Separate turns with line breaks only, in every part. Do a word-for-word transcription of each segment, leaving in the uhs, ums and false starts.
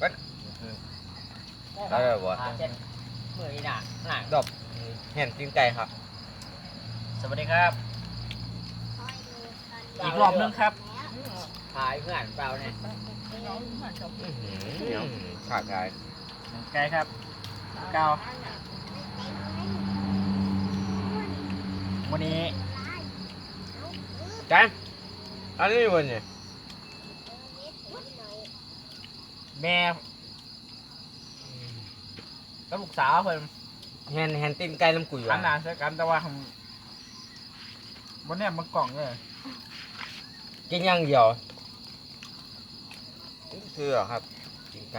ก็ได้แบบว่า
เช่นมือนี่น่ะหนัง
ดอกเห็นตีนไก่ครับ
สวัสดีครับอีกรอบนึงครับหายเพื่อนเปล่าเนี่ย
ขาดไก่
ไกลครับเก้าวันนี้
จันอันนี้วันนี้
แม่กับลูกสาวเพิ่น
เห็นเห็นตีนไก่น้ำกุย
ขันหนาเสียกันแต่ว่าวันนี้มันกล่องเลย
กินอย่างเดียวคือครับตีนไก่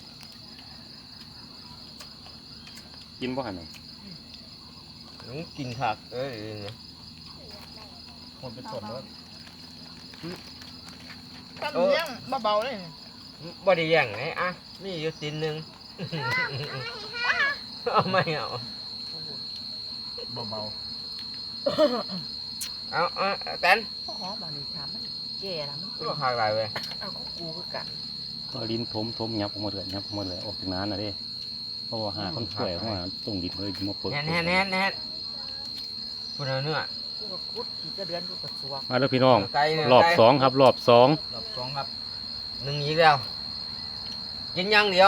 กินบ่หันน่ะ
น้องกินผักเอ้ยเนี่ย
คนเป็นส่วนด้วย
ตั้งเลี้ยงเบาๆเลย
บ่ได้ย่างไงอ่ะมีอยู่ตีนหนึ่งเอาไม่เอา
เบา
เอาเอาแตน
พ่อหอมบางทีถามมันแก่แล้วมัน
ก็ขาดหลายเว้ย
เอาก็กูคือกัน
ก็ลิ้นทมทมยับออกมาเลยยับออกมาเลยออกจากน้ำน่ะเด้เพราะว่าหาคนช่วยเข้ามาตรงดินเลยมาเปิด
แน่นแน่นแน่นแน่นคุณเอาเนื้อ
กูก็คุดขี่กระเดือนกูก็สวก
มาแล้วพี่น้อง
ไก่เนื้
รอบ
ไก่
สองครับรอบสอง
ๆรอบสองครับ
หนึ่งอีกแล้วกินอย่างเดียว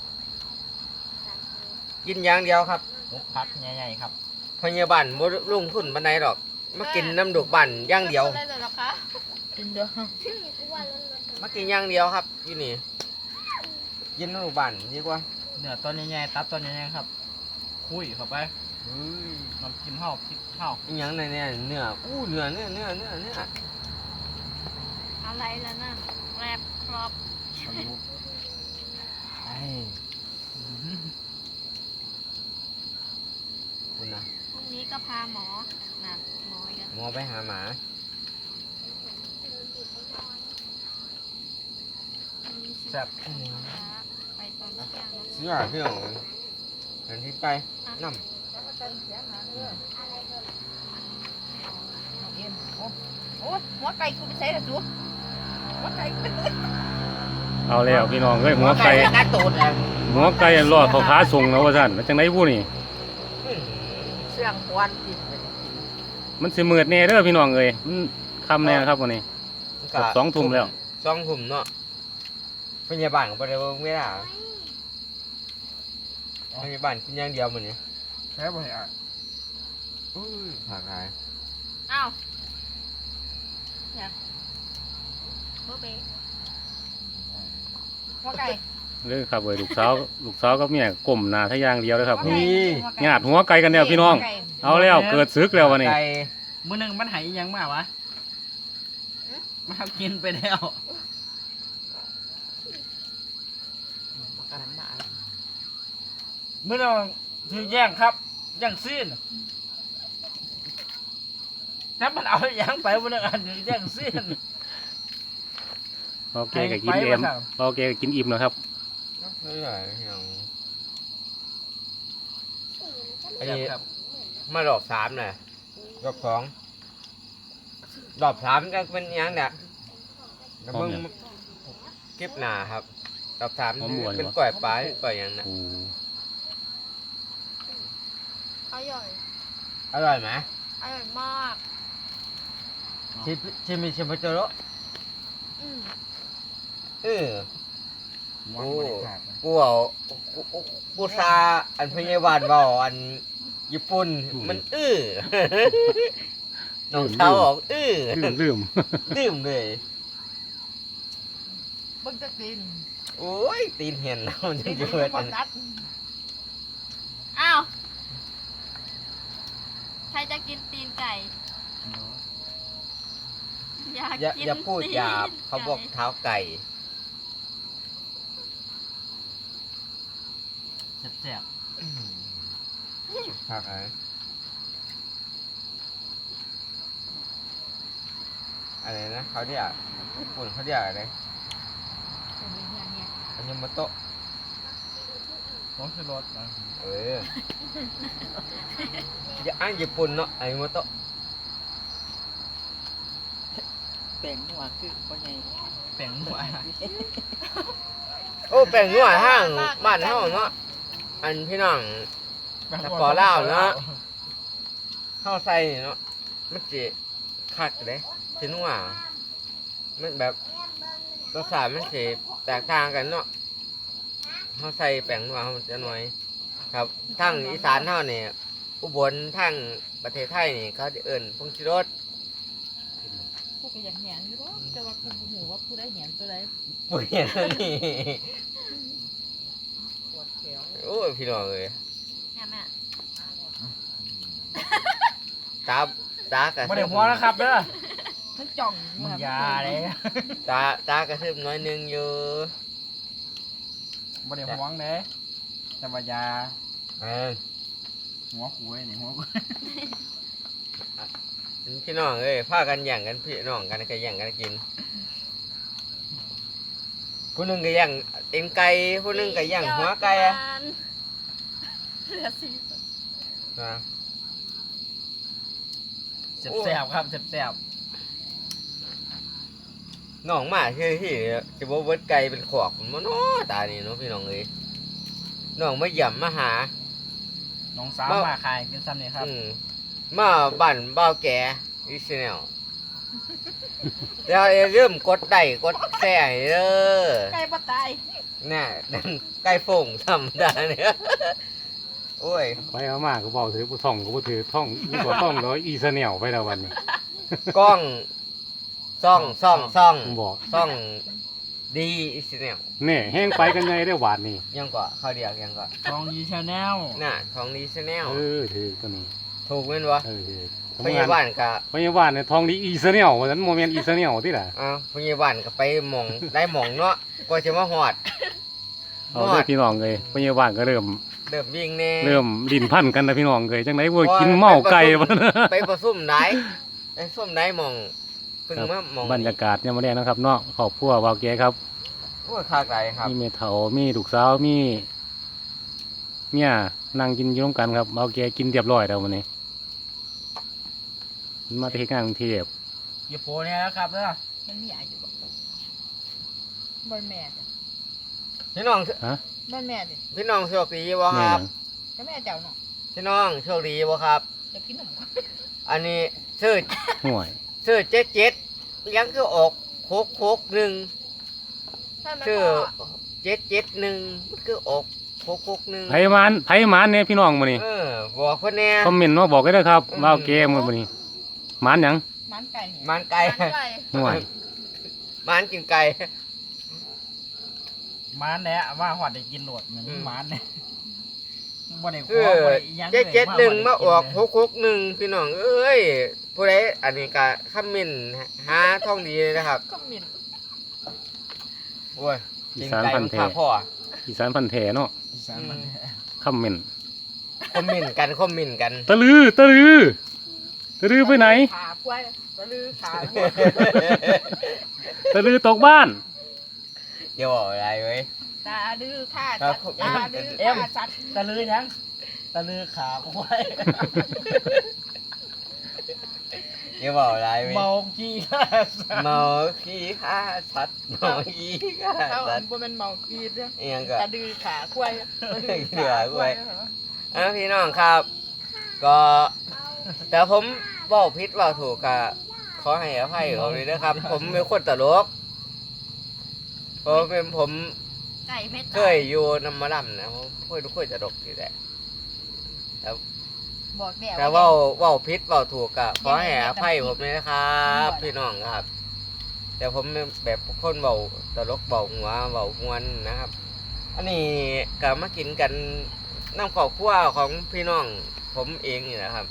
กินอย่างเดียวครับ
มุกพัดใหญ่ๆครับ
พยาบาลบ่ลงทุนปานใดหรอก มากินน้ำดอกบั่นอย่างเดียว
ได้เลยหรอคะกินเดียว
มากินอย่างเดียวครับอยู่นี่กินน้ำดอกบั่นดีกว่า
เนื้อต้นใหญ่ๆตับต้นใหญ่ๆครับคุยเข้าไป
เฮ้ย
น้ำจิ้มข้าวพริกข้าว
อีหยังในเนี่ยเนื้ออู้เนื้อเนื้อเนื้อเนื้อเนื้อ
อะไรแล้วนั่นแรบครอบ
ไอ้คุณนะ
พรุ่งนี้ก็พาหมอน่ะหมอกัน
หมอไปหาหมา
แซ่บ
ไปตอนเที่ยงนะ
เสื้อเสื้อเห็นที่ไปน้
โอ้หัวไก่กูไปใส่ละจูหัวไก่กูไปเลย
เอาแล้วพี่น้องเอ้ย
ำ
หัวไก่
กระตูดอ่ะ
หัวไก่รอดเขาขาส่งแล้วว่าซั่นแล้วจังได๋ผู้นี่
เสื่องควันกินไป
มันสิมืดแน่เด้อพี่น้องเอ้ยมันค่ำแน่ครับวันนี้
ก็
สองทุ่มแล้ว
สองทุ่มเนาะพยาบาลก็บ่ได้เบิ่งเวลาพยาบาลกินอย่างเดียวมื้อนี้
แซ่บเลยอ่ะ
อุ้ยผักหาย
อ้าวเนี่ยเบอร์เบย์
หัวไก่
เด้อครับเอ้ยลูกสาวลูกสาวกับเมียก้มหน้าทะยางเดียวเลยครับ
นี่
ญาติหัวไก่กันแล้วพี่น้อง เอาแล้วเกิดศึกแล้ววันนี้
ไก่
มื้อหนึงมันหายอีหยังมาวะมากินไปแล้ว
กันมา
มื้อนึงถือแย่งครับแย่งซีนถ้ามันเอาหยังไปมื้อนึงอันถือแย่งซีน
โอเคก็กินเอ็มโอเคก็กินอิ่มแล้วครับ
เฮ้ยอย่างอัน
แซ่บ
นี้
ครับ
มารอบสามน่ะรอบสองรอบสามก็เป็นหยังเนี่ยแล้วมึงเก็บหนาครับรอบสามเป็นกล้วยปลาหรือกล้วยหยังน่ะ
โอ้
อร่อย
อร่อยไหม
อร่อยมาก
ชิมชิมชิมไปเจอแล้ว
อืม
เออ
หวานบริการนะ
กูเอากูกูกูซาอันพยาบาลเบาอันญี่ปุ่นมันอื้อ น้องสาวบอกอื้อ
ลืมลืม
ดื่มเลย
เบิ่งจะกิน
โอ้ยตีนเห็นแล้วมันจะ
กิน
เย
ไม่
อะ
พอนัด
อ้าวใครจะกินตีนไก่ อยาก
อย่า
กิน
อย่าพูด
ตีน
หยาบเขาบอก
ไ
เท้าไก่
แซ่บ
ผักอะไรอะไรนะเขาเรียกญี่ปุ่นเขาเรียกอะไรอันยมโตะ
ๆของชูรสนะ
เอออย่าอ้างญี่ปุ่นเนาะอันยมโตะ
แป้งนัวคือพ่อใหญ่
แป้งหวาน
โอ้แป้งนัวทางบ้านเฮาเนาะอันพี่น้อง แต่ปอลาวเนาะ เฮาใส่เนาะมันสิคักเด้สินัวมันแบบรสชาติมันสิแตกต่างกันเนาะเฮาใส่แป้งนัวเฮาจะหน่อยครับทางอีสานเฮานี่อุบลทางประเทศไทยนี่เขาจะเอิ้นผงชูรส
กูก็อยากเห็นอยู่เนาะแต่ว่ากูบ่ฮู้ว่าผู้ใดเห็นตัวใด
บ่เห็นแล้วนี่
ปวดแขว
โอ้ยพี่น้องเอ้ย
แม่แม่
ตาตากระ
บ่ได้หัวนะครับเด้อ
มันจ่อง
มึงอยาเลย
ตาตากระทึบน้อยหนึงอยู่
บ่ได้หวงเด้แต่ว่ายา
เออ
หัวคุยนี่หัวคุย
พี่น้องเอ้ยพากันแย่งกันพี่น้องกันก็แย่งกันกินผู้หนึงก็แย่งเอ็นไก่ผู้หนึงก็แย่งหัวไก่อะ
เหลือสี่
นะ
แซ่บๆครับแซ่บ
น้องมาคือที่จะบ่เบิดไก่เป็นขอกมันบ่เนาะตานี่เนาะพี่น้องเอ้ยน้องมาเยี่ยมมาหา
ๆน้องสาวมาขายกินซ้ำนี่ครับ
อืมมาบ้านบ่าวแก่อีสแนลแล้วอย่าลืมกดไลค์กดแชร์ให้เด้อ
ไก่บ่ตาย
น่ะดังไก่โป่งธรรมดาเนี่ยโอ้ย
ไปเอามาก็บอกถือผู้ท่องก็บ่ถือท่องอีกว่าท่องร้อยอีสะแนวไปแล้ววันนี้
กล้องซ่องซ่องซ่อง
ผมบอก
ซ่องดีอีสแนล
แน่แห้งไปกันไงได้หวานนี่
ยังก็เขาเรียกยังก็
ทองดีชาแนล
น่ะทองดีสแนล
เออถือตัวนี้
ถูกแม่นบ่
เออถือ
พยาบาลก็
พยาบาลเนี่ยทองดีอีสะแนวว่าซั่นโมเมนต์อีสะแนวที่ล่ะ
อ้าวพยาบาลก็ไปหม่องได้หม่องเนาะกว่าจะมาฮอด
เอาเด้อพี่น้องเลยพยาบาลก็เริ่ม
เริ่มวิ่งแน่
เริ่มลิ้นพันกันนะพี่น้องเลยจังได๋บ่กินเมาไก่บ่นะ
ไปประซุ่มไหนไปซุ่มไหนหม่องเพิ่งมาหม่อง
บรรยากาศยามมื้อแลงนะครับเนาะครอบครัววาวแกครับ
โอ้ยคากไหลครับ
มีแม่เฒ่ามีลูกสาวมีเมียนั่งกินอยู่ร่วมกันครับวาวแกกินเรียบร้อยแล้วมื้อนี้มาที่งานกรุงเทพ
อย่าโปเนี่ยนะครับเด้อ
มันมีอายุบ่บ่แม่จ้ะ
พี่น้อง
ฮะ
บ่แม่ดิ
พี่น้องโชคดีบ่ค
แม่
รับ
ก็แม่เจ้าเนาะ
พี่น้องโชคดีบ่ครับ
จะกินนม
อันนี้ซื้อ
ห่วย
ซื้อเจ็ดเจ็ดยังคือออกโคกโคกหนึ่ง
ถ้ามัน
ซื้อ
ก็
เจ็ดเจ็ดหนึ่งมันคือออกโคกโคกหนึ่ง
ไผมานไผมานเนี่ยพี่น้องมื้อนี้
เออบอกเพิ่นแน่
คอมเมนต์มาบอกกันเด้อครับวาวแกมื้อนี้มานหยัง
มันไก่เนี่ย
มันไก่
มันไก่
ห่วย
มันกินไก่
ม้านแหละว่าหอดได้กินโหลดเหมือน
อืม
ม้านเนี่ยบ่ได้
เอ
หัว
อ
บ่ได้อิหยัง
เจ็ดเจ็ดหนึ่งมาออก
โ
โคกโคกหนึ่งพี่น้องเอ้ยผู้ใดอันนี้ก็คอมเมนต์หาท่องดีเลยนะครับ
ก็หมิ่น
โอ้ย
อี
กิน
สาน
ไก่
พั
มัน น
ธุ์แท้
พาพ่อ
อีสานพันธุ์แท้เนาะ
อีสานมัน
คอมเมนต์
คอมเมนต์กันคอมเมนต์กัน
ตะลือตะลือตะลือไปไหน
ขากล้วยตะลือขาหัว
ตะลือตกบ้าน
เดี๋ยวบอกอะไรเว้ย
ตาดื้อฆ่า
ครั
สั
บ
ตว์ตาดื้อฆ่าสัตว์
ตะลือหยังตะลือขาควาย
เดี๋ยวบอกอะไรเว้ย
เมาขี้ข้าสัตว์
เมาขี้ฆ่าสัตว์เมาขี้ฆ่า
เขา
สั
อั
ต
น
ว์
บ่แม่นเมากีดเด้อ
เอียงก็
ตาดื้อขาควายตาดื้อ
เหลือ
ขา
ไว้
ควาย
อ่ะพี่น้องครับ ก็แต่ผมบอกผิดว่าถูกก็ขอให้อภัยผมเลยนะครับ ผมเป็นคนตลกผมเป็นผม
ไก่เพชร
เคยอยู่น้ำมาดำนะผมเคยทุกคนตลกอยู่แหละ
บอกแม่
แต่ว่าเว่าผิดเว่าถูกก็ขอให้อภัยผมเลยนะครับ พี่น้องครับ แต่ผมแบบคนเบาตลกเบาหัวเบามวนนะครับ อันนี้ก็มากินกันน้ำข้าวคั่วของพี่น้องผมเองนี่นะครับ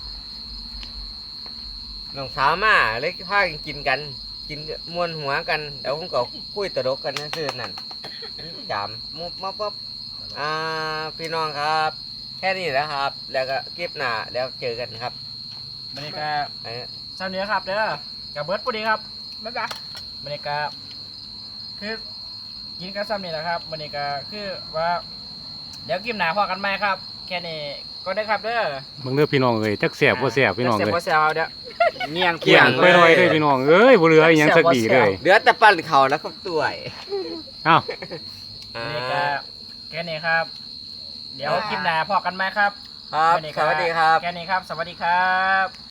น้องสาวมาเลยพากันกินกัน กินมวนหัวกันเดี๋ยวผมก็คุยตลกกันนะซื่อนั่นจามมุบมาปุ๊บอ่าพี่น้องครับ แค่นี้แหละครับ แล้วก็คลิปหน้าแล้วเจอกันครับ
บรรยากาศ
ไอ้
เช้านี้ครับเด้อกับเบิร์ดพอดีครับ
บ๊ายบาย
บรรยากาศคือกินกันซ้ำนี่แหละครับบรรยากาศคือว่า เดี๋ยวกินหนาพอกันไหมครับ แค่นี้ก็ได้ครับเด้อ
มึงเด้อพี่น้องเอ้ยจักแสบบ่แสบพี่น้อง
เสีย
เอ้ย
บเสียบเดี๋ยวเงียง
เกี่ยงไปหน่อยเด้อพี่น้องเอ้ยบ่เหลืออีหยังสักดีเลย
เหลือแต่ปั้นเขาแล้วครับตัว
เอ้า
อ่า
นี่ก็แค่นี้ครับ เดี๋ยวคลิปหน้าพอกันไหมครับ
ครับ
วันนี้
สวัสดีครับ
แค่นี้ครับ สวัสดีครับ